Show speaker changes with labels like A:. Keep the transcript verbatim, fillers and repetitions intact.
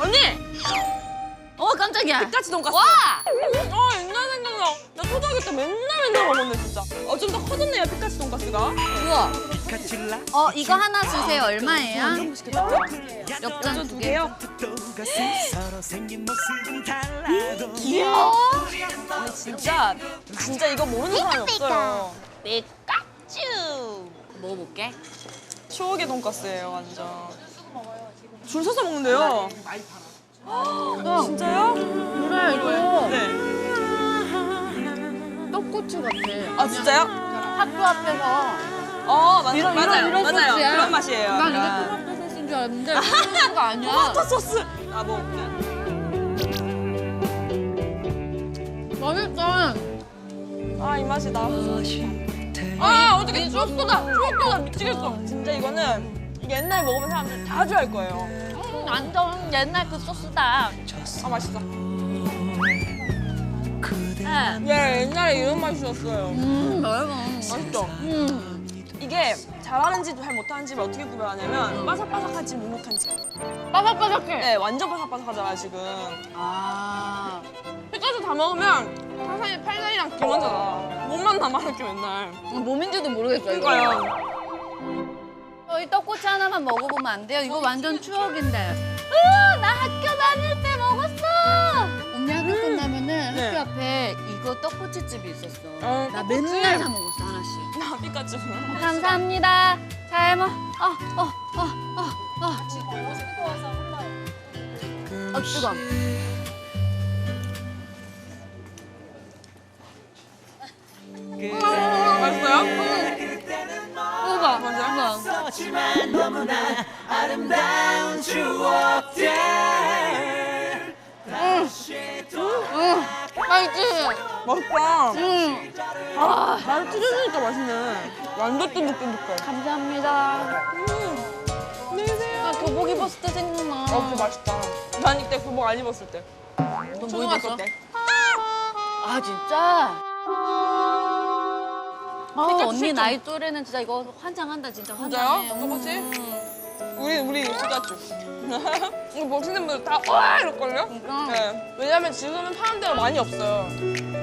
A: 언니!
B: 어 깜짝이야.
A: 피카츄 돈까스.
B: 와!
A: 아 옛날 생각나. 나 초등학교 때 맨날 맨날 먹었네 진짜. 어 좀 더 커졌네요 피카츄 돈까스가.
B: 우와. 어 이거 하나 주세요. 얼마예요? 엽전 두 개요.
A: 귀여워. 아니 진짜 진짜 이거 모르는 사람이 없어요.
B: 피카츄. 먹어볼게.
A: 추억의 돈까스예요 완전. 줄 서서 먹는데요. 진짜요?
B: 그래 이거
A: 네.
B: 떡꼬치 같아.
A: 아 진짜요?
B: 학교 앞에서
A: 어 맞,
B: 이런,
A: 맞아요.
B: 이런, 이런
A: 맞아요.
B: 소스야.
A: 그런 맛이에요.
B: 난 이게
A: 약간.
B: 토마토 소스인 줄 알았는데 토마토가 아니야.
A: 토마토 소스. 아 뭐.
B: 맛있어.
A: 아 이 맛이다. 아 어떻게 추억도다. 추억도다 미치겠어. 진짜 이거는 옛날에 먹으면 사람들 다 좋아할 거예요.
B: 음, 완전 옛날 그 소스다.
A: 아 맛있어.
B: 네.
A: 예 옛날에 이런 맛이었어요.
B: 음, 여러분.
A: 맛있죠?
B: 음,
A: 이게 잘하는지 잘 못하는 집을 어떻게 구별하냐면 바삭바삭한지 눅눅한지.
B: 바삭바삭해.
A: 네 완전 바삭바삭하잖아요 지금.
B: 아,
A: 피카츄 다 먹으면 사실 팔다리랑 기만잖아. 몸만 남아 이렇게 맨날.
B: 몸인지도 모르겠어 이거.
A: 그러니까요.
B: 저희 떡꼬치 하나만 먹어보면 안 돼요? 이거 완전 추억인데. 으, 나 학교 다닐 때 먹었어. 언니 학교 끝나면은
A: 네.
B: 학교 앞에 이거 떡꼬치 집이 있었어.
A: 어,
B: 나
A: 떡꼬치.
B: 맨날 사 먹었어 하나씩.
A: 나 피카츄.
B: 감사합니다. 잘 먹. 어, 어, 어, 어, 어. 어, 뜨거.
A: 맛있어요?
B: 뜨거.
A: 맞아요?
C: 하지만 너무나 아름다운 추억들
B: 맛있지?
A: 맛있다.
B: 응.
A: 아, 말 찢어지니까 맛있네. 완전 쫀득쫀득해.
B: 감사합니다.
A: 음. 안녕히 계세요.
B: 나 교복 입었을 때 생각나.
A: 어, 그 맛있다. 난 이때 교복 안 입었을 때.
B: 너뭐
A: 초등학교
B: 입었어?
A: 때.
B: 아 진짜? 아
A: 피카츄
B: 언니
A: 실종.
B: 나이 또래는 진짜 이거 환장한다 진짜
A: 진짜요?
B: 환장해.
A: 떡꼬치?
B: 음.
A: 우리, 우리 피카츄. 이거 보시는 분들 다, 와! 이럴걸요?
B: 진짜?
A: 네. 왜냐면 지금은 파는 데가 많이 없어요.